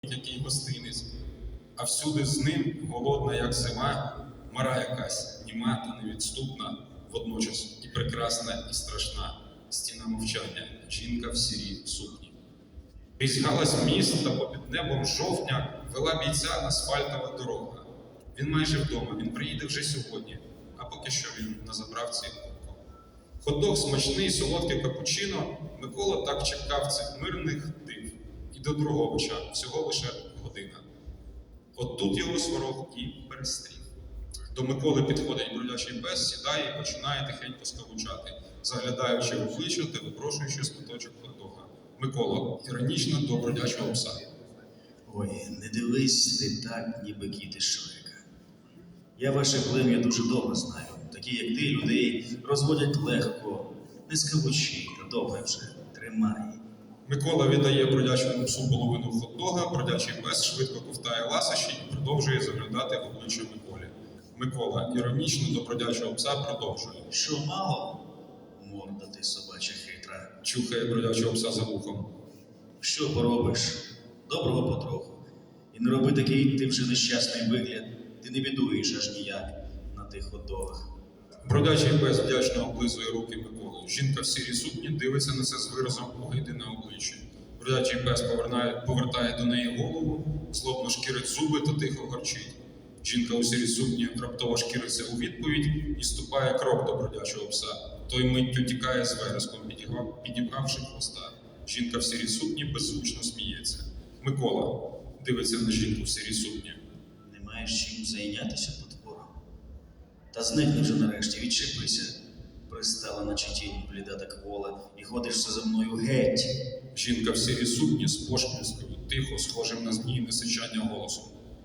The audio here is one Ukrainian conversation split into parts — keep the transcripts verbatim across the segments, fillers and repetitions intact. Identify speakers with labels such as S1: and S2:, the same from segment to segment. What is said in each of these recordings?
S1: який гостинець, а всюди з ним, голодна, як зима, мара якась, німа та невідступна, водночас і прекрасна, і страшна, стіна мовчання, жінка в сірій сукні. Крізь галас міст та попід небом жовтня вела бійця асфальтова дорога. Він майже вдома, він приїде вже сьогодні, а поки що він на заправці око. Хот-дог смачний, солодкий капучино, Микола так чекав цих мирних див. І до Друговича всього лише година. От тут його сварог і перестрів. До Миколи підходить бродячий пес, сідає і починає тихенько скавучати, заглядаючи в обличчя та випрошуючи шматочок хот-дога. Микола іронічно до бродячого пса.
S2: Ой, не дивись ти так, ніби кіт із Шрека. Я ваше плем'я дуже добре знаю. Такі, як ти, людей розводять легко, не скавучи, та добре вже, тримай.
S1: Микола віддає бродячому псу половину хот-дога, бродячий пес швидко ковтає ласощі і продовжує заглядати в обличчя Миколі. Микола іронічно до бродячого пса продовжує.
S2: Що мало? Морда ти собача хитра.
S1: Чухає бродячого пса за вухом.
S2: Що поробиш? Доброго потроху. І не роби такий ти вже нещасний вигляд. Ти не бідуєш аж ніяк на тих хот-догах.
S1: Бродячий пес вдячно облизує руки Миколи. Жінка в сірій сукні дивиться на це з виразом огиди на обличчі. Бродячий пес повертає, повертає до неї голову, злобно шкірить зуби та тихо горчить. Жінка у сірій сукні раптово шкіриться у відповідь і ступає крок до бродячого пса. Той миттю тікає з вереском, підібравши хвоста. Жінка в сірій сукні беззвучно сміється. Микола дивиться на жінку в сірій сукні.
S2: Не маєш чим зайнятися, потворо? Та зникни вже нарешті, відчепися. Пристала наче тінь бліда та квола, і ходиш все за мною геть.
S1: Жінка в сірій сукні з пошпільською, тихо, схожим на змійне сичання голосом.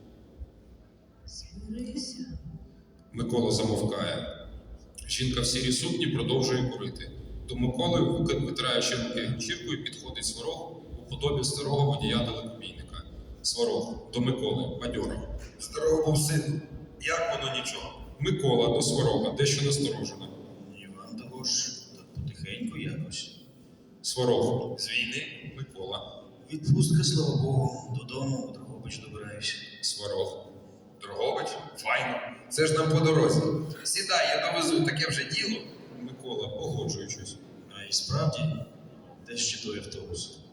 S3: Смирися.
S1: Микола замовкає. Жінка в сірій сукні продовжує курити. До Миколи, витираючи руки ганчіркою, підходить сварог у подобі старого водія далекобійника. Сварог до Миколи, бадьоро.
S4: Старого був сину. Як воно нічого?
S1: Микола до сварога, дещо насторожено.
S2: Іван того ж, так потихеньку якось.
S1: Сварог.
S4: З війни?
S1: Микола.
S2: Відпустка, слава Богу, додому у Дрогобич добираюся.
S1: Сварог.
S4: Дрогобич? Файно. Це ж нам по дорозі. Сідай, я довезу, таке вже діло.
S1: Микола, погоджуючись.
S2: А і справді, де ще той автобус?